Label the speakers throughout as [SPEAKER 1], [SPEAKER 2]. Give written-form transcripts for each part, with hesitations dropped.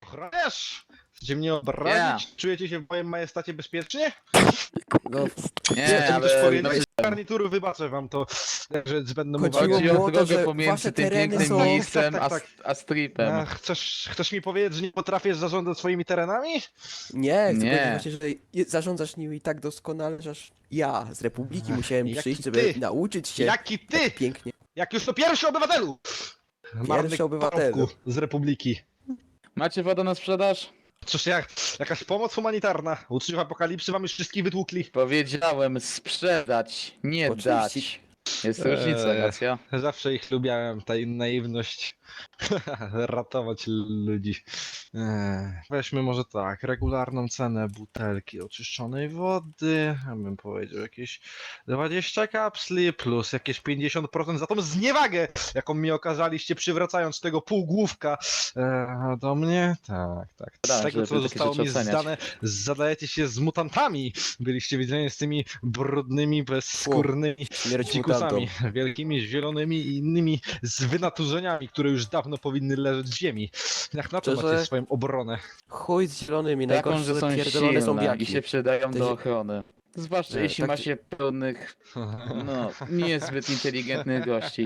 [SPEAKER 1] Ochroniarz! Chcecie mnie obrazić? Czujecie się w moim majestacie bezpiecznie?
[SPEAKER 2] No,
[SPEAKER 3] Nie,
[SPEAKER 1] Chcecie mi coś
[SPEAKER 3] ale
[SPEAKER 1] powiedzieć? Z garnituru wybaczę wam to, że będę mógł...
[SPEAKER 2] Chodziło
[SPEAKER 3] chodzi
[SPEAKER 2] mi
[SPEAKER 3] o
[SPEAKER 2] o to,
[SPEAKER 3] drogę
[SPEAKER 2] że
[SPEAKER 3] pomiędzy
[SPEAKER 2] wasze
[SPEAKER 3] tym
[SPEAKER 2] tereny
[SPEAKER 3] pięknym
[SPEAKER 2] są-
[SPEAKER 3] miejscem
[SPEAKER 1] Tak.
[SPEAKER 3] a stripem.
[SPEAKER 1] Chcesz mi powiedzieć, że nie potrafisz zarządzać swoimi terenami?
[SPEAKER 2] nie,
[SPEAKER 3] Nie.
[SPEAKER 2] tylko właśnie, że zarządzasz nimi tak doskonale, że aż ja z Republiki musiałem
[SPEAKER 1] jaki
[SPEAKER 2] przyjść, żeby
[SPEAKER 1] ty?
[SPEAKER 2] nauczyć się
[SPEAKER 1] Jaki ty?
[SPEAKER 2] tak pięknie.
[SPEAKER 1] Jak już to pierwszy obywatelu! Marny
[SPEAKER 2] obywatelu.
[SPEAKER 1] parobku z Republiki.
[SPEAKER 3] Macie wodę na sprzedaż?
[SPEAKER 1] Cóż, jakaś pomoc humanitarna. Uczniów apokalipsy wam już wszystkich wytłukli.
[SPEAKER 3] Powiedziałem sprzedać, nie
[SPEAKER 2] Oczywiście.
[SPEAKER 3] dać. Jest różnica, racja?
[SPEAKER 1] Zawsze ich lubiałem, ta ich naiwność. Ratować ludzi. Weźmy może tak, regularną cenę butelki oczyszczonej wody, ja bym powiedział jakieś 20 kapsli plus jakieś 50% za tą zniewagę, jaką mi okazaliście przywracając tego półgłówka do mnie. Tak. Z
[SPEAKER 3] Tak,
[SPEAKER 1] tego
[SPEAKER 3] żeby
[SPEAKER 1] co
[SPEAKER 3] takie
[SPEAKER 1] zostało
[SPEAKER 3] rzeczy
[SPEAKER 1] mi
[SPEAKER 3] oceniać.
[SPEAKER 1] zdane, zadajecie się z mutantami. Byliście widziani z tymi brudnymi, bezskórnymi
[SPEAKER 2] Śmierć
[SPEAKER 1] dzikusami,
[SPEAKER 2] mutantom.
[SPEAKER 1] wielkimi, zielonymi i innymi z wynaturzeniami, które już dawno powinny leżeć w ziemi. Jak na to
[SPEAKER 2] Szczerze?
[SPEAKER 1] macie swoją obronę?
[SPEAKER 2] Chuj z zielonymi,
[SPEAKER 3] Taką,
[SPEAKER 2] najgorsze
[SPEAKER 3] że są
[SPEAKER 2] pierdolone
[SPEAKER 3] silne
[SPEAKER 2] zombiaki.
[SPEAKER 3] i się przydają
[SPEAKER 2] Te
[SPEAKER 3] do
[SPEAKER 2] zie-
[SPEAKER 3] ochrony. Zwłaszcza
[SPEAKER 2] Nie,
[SPEAKER 3] jeśli
[SPEAKER 2] tak-
[SPEAKER 3] ma się pełnych, no, niezbyt inteligentnych gości.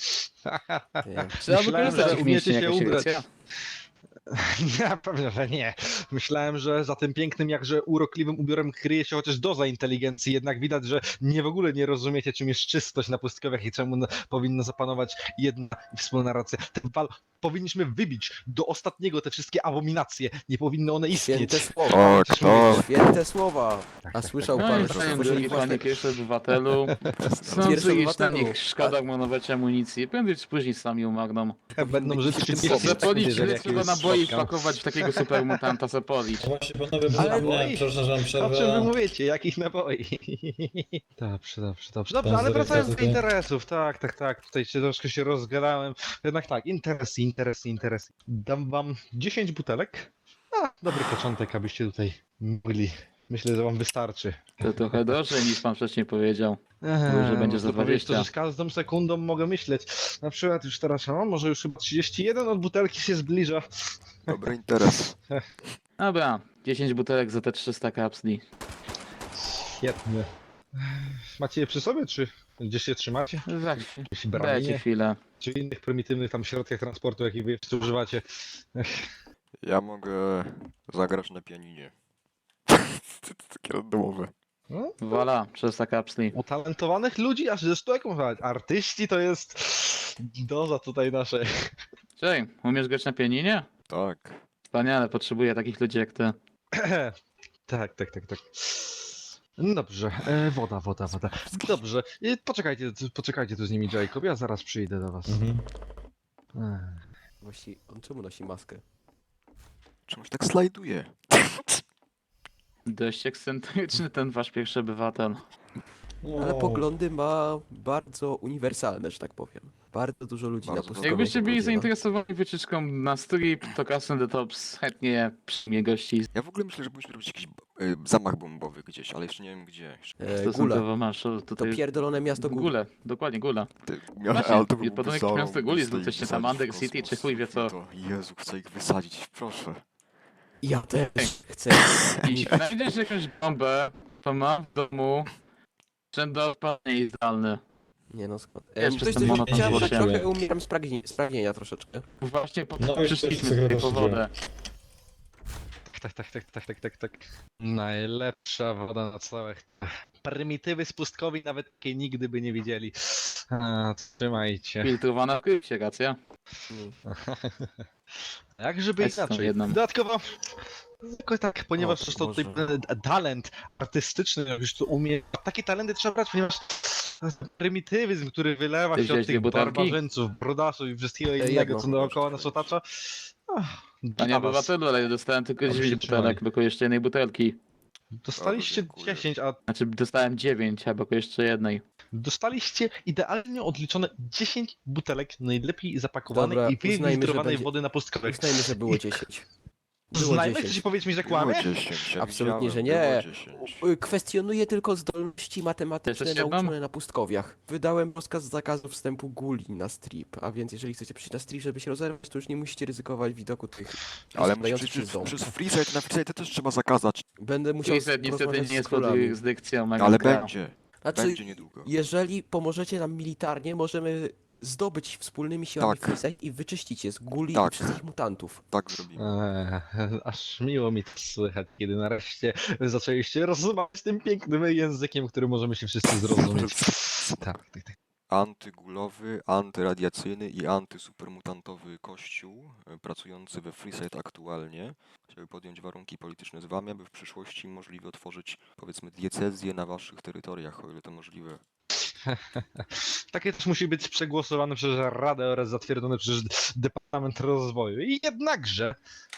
[SPEAKER 2] Nie.
[SPEAKER 3] Trzeba
[SPEAKER 1] Myślałem,
[SPEAKER 3] wykorzystać
[SPEAKER 1] że
[SPEAKER 3] ich
[SPEAKER 1] umiecie
[SPEAKER 3] mięśnie
[SPEAKER 1] się
[SPEAKER 3] jakoś,
[SPEAKER 1] ubrać.
[SPEAKER 3] racja?
[SPEAKER 1] Ja pewnie, że nie. Myślałem, że za tym pięknym, jakże urokliwym ubiorem kryje się chociaż doza inteligencji, jednak widać, że w ogóle nie rozumiecie, czym jest czystość na pustkowiach i czemu powinna zapanować jedna i wspólna racja. Powinniśmy wybić do ostatniego te wszystkie abominacje. Nie powinny one istnieć.
[SPEAKER 2] Święte słowa.
[SPEAKER 4] Tak, tak.
[SPEAKER 2] Święte słowa. A
[SPEAKER 1] tak,
[SPEAKER 2] słyszał
[SPEAKER 3] No
[SPEAKER 2] pan,
[SPEAKER 3] i
[SPEAKER 2] że
[SPEAKER 3] panie
[SPEAKER 2] stworzyli
[SPEAKER 3] drugi,
[SPEAKER 2] własne...
[SPEAKER 3] panie pierwszy obywatelu.
[SPEAKER 2] Pierwszy
[SPEAKER 3] Sądzę, iż na
[SPEAKER 2] obywatelu.
[SPEAKER 3] nich szkoda marnować amunicji. Prędzej czy później sami umarną.
[SPEAKER 1] Będą żyć w tym
[SPEAKER 3] Zapolić,
[SPEAKER 1] jeżeli
[SPEAKER 3] ile
[SPEAKER 1] jakiś
[SPEAKER 3] trzeba
[SPEAKER 1] jest
[SPEAKER 3] naboi
[SPEAKER 1] spotkał.
[SPEAKER 3] wpakować w takiego supermutanta, zapolić.
[SPEAKER 5] Właśnie panowie,
[SPEAKER 1] Ale
[SPEAKER 5] przypomniałem,
[SPEAKER 1] oj,
[SPEAKER 5] przepraszam, że mam
[SPEAKER 1] O czym wy
[SPEAKER 5] przerwę.
[SPEAKER 1] mówicie? Jakich naboi? Dobrze,
[SPEAKER 5] Pan
[SPEAKER 1] ale wracając do
[SPEAKER 5] tutaj.
[SPEAKER 1] interesów, tak. Tutaj się troszkę się rozgadałem. Jednak tak, interesy. Dam wam 10 butelek. Dobry początek, abyście tutaj mogli. Myślę, że wam wystarczy.
[SPEAKER 3] To trochę drożej niż pan wcześniej powiedział. że będzie za
[SPEAKER 1] można powiedzieć
[SPEAKER 3] 20.
[SPEAKER 1] To, że z każdą sekundą mogę myśleć. Na przykład już teraz, może już chyba 31 od butelki się zbliża.
[SPEAKER 4] Dobry interes.
[SPEAKER 3] Dobra, 10 butelek za te 300 kapsli.
[SPEAKER 1] Świetnie. Macie je przy sobie, czy gdzieś je trzymacie?
[SPEAKER 3] Za
[SPEAKER 1] Jakieś
[SPEAKER 3] Dajcie
[SPEAKER 1] bramienie,
[SPEAKER 3] chwilę.
[SPEAKER 1] czy innych prymitywnych tam środkach transportu, jakich wy jeszcze używacie?
[SPEAKER 4] Ja mogę zagrać na pianinie. Takie randomowe.
[SPEAKER 1] No,
[SPEAKER 3] Voilà, 300 kapsli.
[SPEAKER 1] utalentowanych ludzi, aż ze 100 jak można powiedzieć. Artyści to jest doza tutaj naszej.
[SPEAKER 3] Cześć, umiesz grać na pianinie?
[SPEAKER 4] Tak.
[SPEAKER 3] Wspaniale, potrzebuję takich ludzi jak ty.
[SPEAKER 1] Tak. No dobrze, woda. Dobrze, poczekajcie tu z nimi, Jacob, ja zaraz przyjdę do was.
[SPEAKER 2] Właśnie, on czemu nosi maskę?
[SPEAKER 4] Czemuś tak slajduje.
[SPEAKER 3] Dość ekscentryczny ten wasz pierwszy obywatel.
[SPEAKER 2] Ale poglądy ma bardzo uniwersalne, że tak powiem. Bardzo dużo ludzi na
[SPEAKER 4] Bardzo.
[SPEAKER 2] pustkowiu.
[SPEAKER 3] Jakbyście byli
[SPEAKER 2] podziela.
[SPEAKER 3] zainteresowani wycieczką na strip, to Castle the Tops chętnie przyjmie gości.
[SPEAKER 4] Ja w ogóle myślę, że powinniśmy robić jakiś zamach bombowy gdzieś, ale jeszcze nie wiem gdzie.
[SPEAKER 2] Gula.
[SPEAKER 3] Stosunkowo masz
[SPEAKER 2] To
[SPEAKER 3] tutaj...
[SPEAKER 2] pierdolone miasto Gula.
[SPEAKER 3] Gule, dokładnie Gula.
[SPEAKER 4] Ale to byłby
[SPEAKER 3] podobno jakieś
[SPEAKER 4] zarąb,
[SPEAKER 3] miasto Guli,
[SPEAKER 4] chcę ich
[SPEAKER 3] coś tam
[SPEAKER 4] wysadzić w
[SPEAKER 3] Under City,
[SPEAKER 4] kosmos.
[SPEAKER 3] czy chuj wie co.
[SPEAKER 4] To, Jezu, chcę ich wysadzić, proszę.
[SPEAKER 2] Ja też chcę.
[SPEAKER 3] Jeśli znajdziesz jakąś bombę, to mam w domu sprzęt do odpalenia idealny.
[SPEAKER 2] Nie no skąd.
[SPEAKER 3] Wiesz, przez
[SPEAKER 2] Coś
[SPEAKER 3] ten monoton
[SPEAKER 2] chciałem, tak
[SPEAKER 3] złośliwy.
[SPEAKER 2] trochę umieram spragnienia troszeczkę.
[SPEAKER 3] Właśnie po
[SPEAKER 5] No i
[SPEAKER 3] przyszliśmy
[SPEAKER 5] też
[SPEAKER 3] tutaj po
[SPEAKER 5] sobie
[SPEAKER 3] wodę.
[SPEAKER 1] Tak. Najlepsza woda na całych. Prymitywy z pustkowi nawet takiej nigdy by nie widzieli. Trzymajcie.
[SPEAKER 3] Filtrowana w krypcie, racja?
[SPEAKER 1] Jak żeby
[SPEAKER 3] Jest tą
[SPEAKER 1] inaczej.
[SPEAKER 3] jedną.
[SPEAKER 1] Dodatkowo, tylko tak, ponieważ
[SPEAKER 2] O,
[SPEAKER 1] zresztą tutaj
[SPEAKER 2] Boże.
[SPEAKER 1] talent artystyczny, jak już to umie, takie talenty trzeba brać, ponieważ prymitywizm, który wylewa
[SPEAKER 3] Ty
[SPEAKER 1] się od
[SPEAKER 3] wziąłeś
[SPEAKER 1] tych
[SPEAKER 3] dwie butelki?
[SPEAKER 1] barbarzyńców, brodasów i wszystkiego innego,
[SPEAKER 2] jedną.
[SPEAKER 1] co dookoła nas otacza.
[SPEAKER 3] Panie
[SPEAKER 1] Dla was.
[SPEAKER 3] obywatelu, ale ja dostałem tylko
[SPEAKER 1] Dobrze
[SPEAKER 3] 9
[SPEAKER 1] się trzymaj.
[SPEAKER 3] butelek, brakuje jeszcze jednej butelki.
[SPEAKER 1] Dostaliście
[SPEAKER 4] Dziękuję.
[SPEAKER 1] 10, a
[SPEAKER 3] Znaczy dostałem 9, a brakuje jeszcze jednej.
[SPEAKER 1] dostaliście idealnie odliczone 10 butelek najlepiej zapakowanej
[SPEAKER 2] Dobra,
[SPEAKER 1] i
[SPEAKER 2] uznajmy, że
[SPEAKER 1] wyfiltrowanej
[SPEAKER 2] będzie-
[SPEAKER 1] wody na pustkowych.
[SPEAKER 2] Uznajmy, że było 10. Było
[SPEAKER 1] Znajmy,
[SPEAKER 2] 10.
[SPEAKER 1] chcecie powiedzieć mi, że
[SPEAKER 4] Było
[SPEAKER 1] kłamie?
[SPEAKER 4] 10, ja
[SPEAKER 2] Absolutnie, że
[SPEAKER 4] widziałem,
[SPEAKER 2] nie.
[SPEAKER 4] było 10.
[SPEAKER 2] Kwestionuję tylko zdolności matematyczne
[SPEAKER 3] Jeszcze jedną?
[SPEAKER 2] nauczone na pustkowiach. Wydałem rozkaz zakazu wstępu guli na strip, a więc jeżeli chcecie przyjść na strip, żeby się rozerwać, to już nie musicie ryzykować widoku tych
[SPEAKER 4] Ale
[SPEAKER 2] dających
[SPEAKER 4] przecież
[SPEAKER 2] się ząb.
[SPEAKER 4] przez freeside na freeside też trzeba zakazać.
[SPEAKER 2] Będę musiał
[SPEAKER 3] Freeset niestety
[SPEAKER 2] porozmawiać
[SPEAKER 3] nie
[SPEAKER 2] z
[SPEAKER 3] jest pod
[SPEAKER 2] królami.
[SPEAKER 3] jurysdykcją
[SPEAKER 4] Ale
[SPEAKER 3] Megaskra.
[SPEAKER 4] będzie.
[SPEAKER 2] Znaczy,
[SPEAKER 4] Będzie niedługo.
[SPEAKER 2] jeżeli pomożecie nam militarnie, możemy zdobyć wspólnymi siłami
[SPEAKER 4] Tak.
[SPEAKER 2] freeside i wyczyścić je z guli
[SPEAKER 4] Tak.
[SPEAKER 2] i wszystkich mutantów.
[SPEAKER 4] Tak zrobimy.
[SPEAKER 1] Aż miło mi to słychać, kiedy nareszcie zaczęliście rozmawiać tym pięknym językiem, który możemy się wszyscy zrozumieć. Tak, tak, tak.
[SPEAKER 4] Antygulowy, antyradiacyjny i antysupermutantowy kościół pracujący we Freeside aktualnie chciałby podjąć warunki polityczne z wami, aby w przyszłości możliwe otworzyć, powiedzmy, diecezję na waszych terytoriach, o ile to możliwe.
[SPEAKER 1] Takie też musi być przegłosowane przez Radę oraz zatwierdzone przez Departament Rozwoju. I jednakże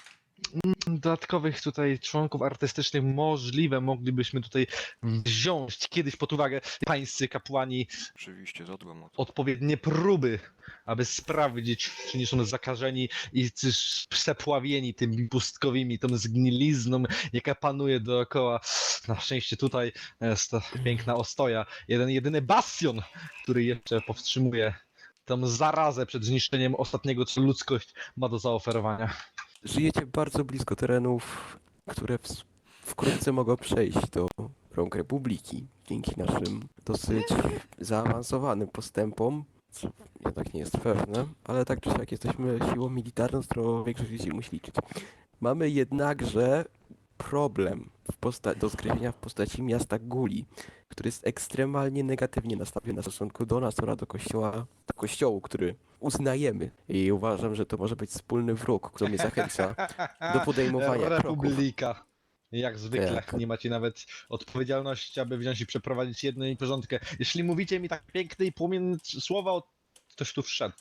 [SPEAKER 1] dodatkowych tutaj członków artystycznych możliwe moglibyśmy tutaj wziąć kiedyś pod uwagę pańscy kapłani
[SPEAKER 4] Oczywiście, zadbam o to.
[SPEAKER 1] odpowiednie próby, aby sprawdzić, czy nie są zakażeni i czy przepławieni tymi pustkowymi, tą zgnilizną, jaka panuje dookoła. Na szczęście tutaj jest ta piękna ostoja, jeden jedyny bastion, który jeszcze powstrzymuje tą zarazę przed zniszczeniem ostatniego, co ludzkość ma do zaoferowania.
[SPEAKER 2] Żyjecie bardzo blisko terenów, które wkrótce mogą przejść do rąk Republiki. Dzięki naszym dosyć zaawansowanym postępom, co jednak nie jest pewne, ale tak czy siak jesteśmy siłą militarną, z którą większość ludzi musi liczyć. Mamy jednakże problem do zgryzienia w postaci miasta Guli, który jest ekstremalnie negatywnie nastawiony w stosunku do nas oraz do kościołu, który uznajemy. I uważam, że to może być wspólny wróg, który mnie zachęca do podejmowania kroków.
[SPEAKER 1] Republika. Jak zwykle,
[SPEAKER 2] Tak.
[SPEAKER 1] nie macie nawet odpowiedzialności, aby wziąć i przeprowadzić jedną i porządkę. Jeśli mówicie mi tak piękne i płomienne słowa, ktoś tu wszedł.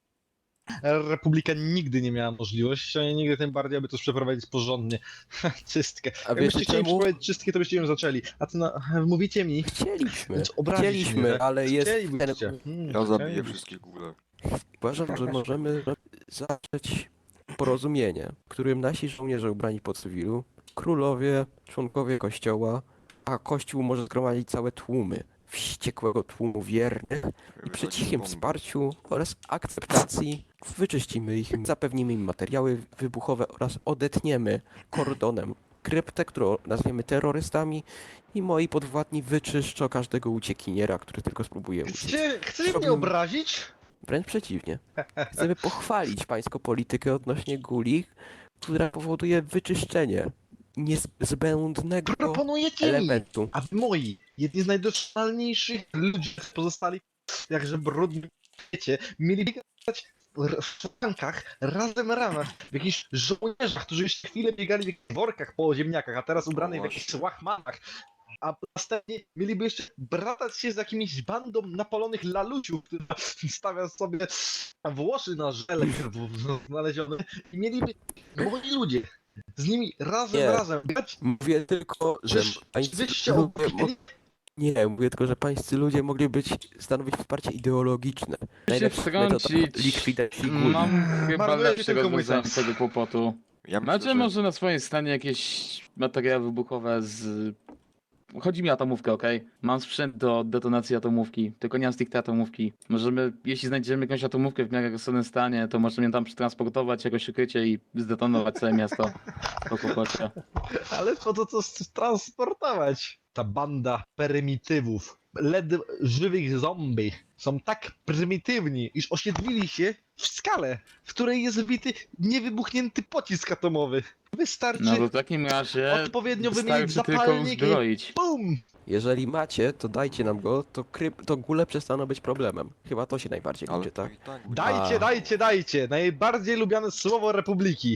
[SPEAKER 1] Republika nigdy nie miała możliwości, a nigdy tym bardziej, aby to przeprowadzić porządnie. Czystkę.
[SPEAKER 2] A
[SPEAKER 1] Jakbyście
[SPEAKER 2] wiecie
[SPEAKER 1] chcieli
[SPEAKER 2] czemu?
[SPEAKER 1] przeprowadzić czystkę, to byście ją zaczęli. A to mówicie mi,
[SPEAKER 2] Chcieliśmy,
[SPEAKER 1] więc obrazić mnie,
[SPEAKER 2] chcieliśmy,
[SPEAKER 1] tak?
[SPEAKER 2] ale jest ten...
[SPEAKER 1] Chcielibyście.
[SPEAKER 4] Ja zabiję
[SPEAKER 1] chcielibyście.
[SPEAKER 4] wszystkie góle.
[SPEAKER 2] Uważam, że możemy zacząć porozumienie, w którym nasi żołnierze ubrani po cywilu, królowie, członkowie kościoła, a kościół może zgromadzić całe tłumy wściekłego tłumu wiernych i przy cichym wsparciu oraz akceptacji wyczyścimy ich, zapewnimy im materiały wybuchowe oraz odetniemy kordonem kryptę, którą nazwiemy terrorystami i moi podwładni wyczyszczą każdego uciekiniera, który tylko spróbuje uciec.
[SPEAKER 1] Chcecie mnie
[SPEAKER 2] Zrobimy-
[SPEAKER 1] obrazić?
[SPEAKER 2] Wręcz przeciwnie. Chcemy pochwalić pańską politykę odnośnie guli, która powoduje wyczyszczenie niezbędnego
[SPEAKER 1] Proponujecie mi,
[SPEAKER 2] elementu.
[SPEAKER 1] aby moi, jedni z najdoskonalniejszych ludzi pozostali jakże brudni w świecie, mieli biegać w szklankach, razem ramach, w jakichś żołnierzach, którzy jeszcze chwilę biegali w jakichś workach po ziemniakach, a teraz ubranych w jakichś
[SPEAKER 4] właśnie.
[SPEAKER 1] łachmanach. A następnie mieliby jeszcze bratać się z jakimiś bandą napalonych laluciów, która stawia sobie włosy na żele znalezionym i mieliby moi ludzie z nimi
[SPEAKER 2] Nie.
[SPEAKER 1] razem biegać.
[SPEAKER 2] Mówię tylko, że pańscy
[SPEAKER 1] Wyście
[SPEAKER 2] ludzie
[SPEAKER 1] obejrzeli?
[SPEAKER 2] nie, mówię tylko, że pańscy ludzie mogli stanowić wsparcie ideologiczne. Najlepsza metoda
[SPEAKER 3] wtrącić.
[SPEAKER 2] likwidacji guli.
[SPEAKER 3] Mam chyba
[SPEAKER 1] Marnujecie
[SPEAKER 3] lepsze
[SPEAKER 1] tylko mój
[SPEAKER 3] rozwiązanie
[SPEAKER 1] czas.
[SPEAKER 3] tego kłopotu.
[SPEAKER 4] Ja myślę,
[SPEAKER 3] Macie
[SPEAKER 4] że
[SPEAKER 3] może na swojej stanie jakieś materiały wybuchowe z... Chodzi mi o atomówkę, okej? Mam sprzęt do detonacji atomówki, tylko nie mam stricte atomówki. Możemy, jeśli znajdziemy jakąś atomówkę w miarę rozsądnym stanie, to możemy ją tam przetransportować, jakoś ukrycie i zdetonować całe miasto po kłopocie.
[SPEAKER 1] Ale po to co transportować? Ta banda prymitywów, żywych zombie są tak prymitywni, iż osiedlili się w skale, w której jest wbity niewybuchnięty pocisk atomowy. Wystarczy
[SPEAKER 3] No to w takim razie
[SPEAKER 1] odpowiednio wymienić
[SPEAKER 3] wystarczy tylko
[SPEAKER 1] zapalnik i
[SPEAKER 3] uzbroić.
[SPEAKER 1] BUM!
[SPEAKER 2] Jeżeli macie, to dajcie nam go, to góle przestaną być problemem. Chyba to się najbardziej
[SPEAKER 4] ale
[SPEAKER 2] liczy,
[SPEAKER 4] to
[SPEAKER 2] tak?
[SPEAKER 4] i tak będzie.
[SPEAKER 1] Dajcie! Najbardziej lubiane słowo Republiki.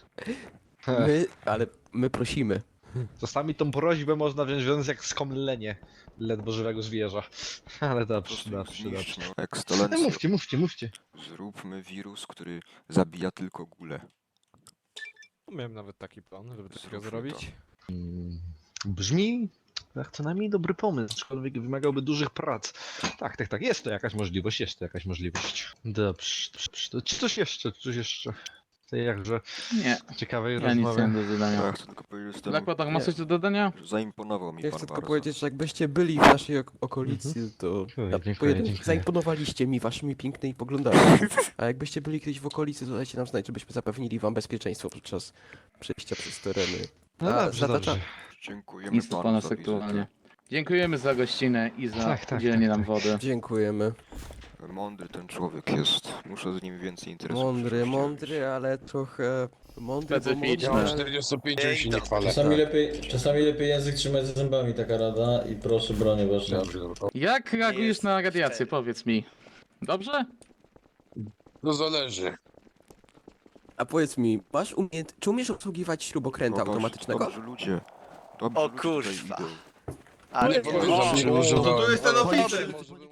[SPEAKER 2] My prosimy.
[SPEAKER 1] Czasami tą prośbę można wziąć jak skomlenie ledwo żywego zwierza. Ale
[SPEAKER 4] Po
[SPEAKER 1] dobrze.
[SPEAKER 4] prostu ją zniszcz, no.
[SPEAKER 1] No,
[SPEAKER 4] Ekscelencjo,
[SPEAKER 1] mówcie.
[SPEAKER 4] zróbmy wirus, który zabija tylko góle.
[SPEAKER 5] Miałem nawet taki plan, żeby takiego
[SPEAKER 4] Zróbmy
[SPEAKER 5] zrobić.
[SPEAKER 1] Brzmi jak co najmniej dobry pomysł, aczkolwiek wymagałby dużych prac. Tak, jest to jakaś możliwość. Dobrze. Czy coś jeszcze? tej jakże
[SPEAKER 3] Nie,
[SPEAKER 1] ciekawej
[SPEAKER 3] ja nic nie
[SPEAKER 1] rozmowie.
[SPEAKER 3] mam do zadania.
[SPEAKER 4] Ja chcę tylko powiedzieć, że jestem...
[SPEAKER 3] Blackwater, masz coś do dodania?
[SPEAKER 4] Zaimponował mi
[SPEAKER 2] Ja
[SPEAKER 4] pan
[SPEAKER 2] chcę tylko
[SPEAKER 4] bardzo.
[SPEAKER 2] powiedzieć, że jakbyście byli w naszej okolicy, to
[SPEAKER 1] Dziękuję.
[SPEAKER 2] zaimponowaliście mi waszymi pięknymi poglądami. A jakbyście byli kiedyś w okolicy, to dajcie nam znać, żebyśmy zapewnili wam bezpieczeństwo podczas przejścia przez tereny.
[SPEAKER 1] No
[SPEAKER 2] A,
[SPEAKER 1] dobrze,
[SPEAKER 2] zatacza-
[SPEAKER 1] dobrze.
[SPEAKER 4] Dziękujemy
[SPEAKER 3] Nic po
[SPEAKER 4] panu
[SPEAKER 3] nas
[SPEAKER 4] za wizytę.
[SPEAKER 3] aktualnie. Dziękujemy za gościnę i za
[SPEAKER 1] Tak, tak,
[SPEAKER 3] udzielenie
[SPEAKER 1] tak,
[SPEAKER 3] nam
[SPEAKER 1] tak.
[SPEAKER 3] wody.
[SPEAKER 2] Dziękujemy.
[SPEAKER 4] Mądry ten człowiek jest. Muszę z nim więcej interesów. w
[SPEAKER 2] Mądry,
[SPEAKER 4] przyszłości
[SPEAKER 2] mądry, ale trochę mądry, bo
[SPEAKER 3] Specyficzny.
[SPEAKER 2] mądry,
[SPEAKER 6] Ja mam
[SPEAKER 2] ale...
[SPEAKER 6] 45 już się nie chwalę.
[SPEAKER 7] Czasami lepiej język trzymać za zębami, taka rada i proszę bronię waszą.
[SPEAKER 6] Dobrze, dobrze.
[SPEAKER 3] Jak reagujesz
[SPEAKER 8] jest
[SPEAKER 3] na radiację?
[SPEAKER 8] cztery.
[SPEAKER 3] Powiedz mi. Dobrze?
[SPEAKER 6] No zależy.
[SPEAKER 2] A powiedz mi, czy umiesz obsługiwać śrubokręta automatycznego?
[SPEAKER 4] Dobrzy ludzie. Dobrzy
[SPEAKER 8] O
[SPEAKER 4] ludzie tutaj
[SPEAKER 8] kurwa.
[SPEAKER 4] idą.
[SPEAKER 8] Ale
[SPEAKER 6] Powiedz, że
[SPEAKER 8] o,
[SPEAKER 6] się używałem.
[SPEAKER 9] To tu jest ten
[SPEAKER 6] Ale-
[SPEAKER 9] oficer!